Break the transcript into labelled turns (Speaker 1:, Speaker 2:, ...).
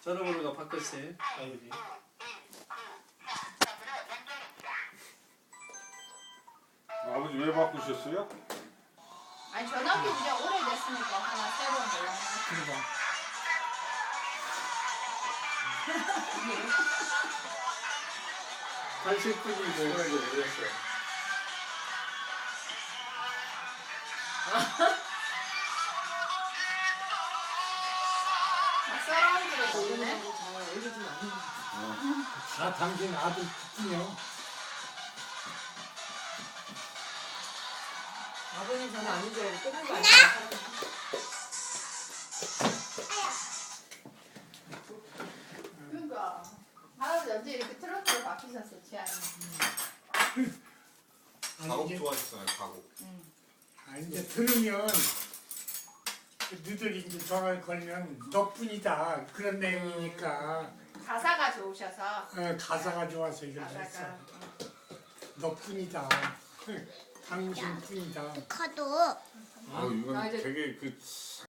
Speaker 1: 전화번호가 바꿨어요. 아버지.
Speaker 2: 아버지 왜 바꾸셨어요?
Speaker 3: 아니 전화기 이제 오래됐으니까 하나 새로운 걸로 하나.
Speaker 4: 그러니까.
Speaker 1: 80분이 뭐라고 그랬어.
Speaker 3: 막 서라운드로 보이네.
Speaker 4: 다 당신 아들 특징이요.
Speaker 5: 아버님 전화 아닌 줄 알고 끊는 거 아니야?
Speaker 3: 그러니까 할아버지 언제 이렇게 트로트로 바뀌셨어 취향이.
Speaker 2: 가곡
Speaker 4: 이제,
Speaker 2: 좋아하셨잖아요, 가곡.
Speaker 4: 이제 들으면 너희들이 이제 전화를 걸면 너뿐이다 그런 내용이니까
Speaker 3: 가사가 좋으셔서
Speaker 4: 가사가 좋아서 이걸 했어.
Speaker 3: 가사가
Speaker 4: 너뿐이다. 당신뿐이다.
Speaker 6: 카도
Speaker 2: 이건
Speaker 5: 아, 이제-
Speaker 2: 되게 그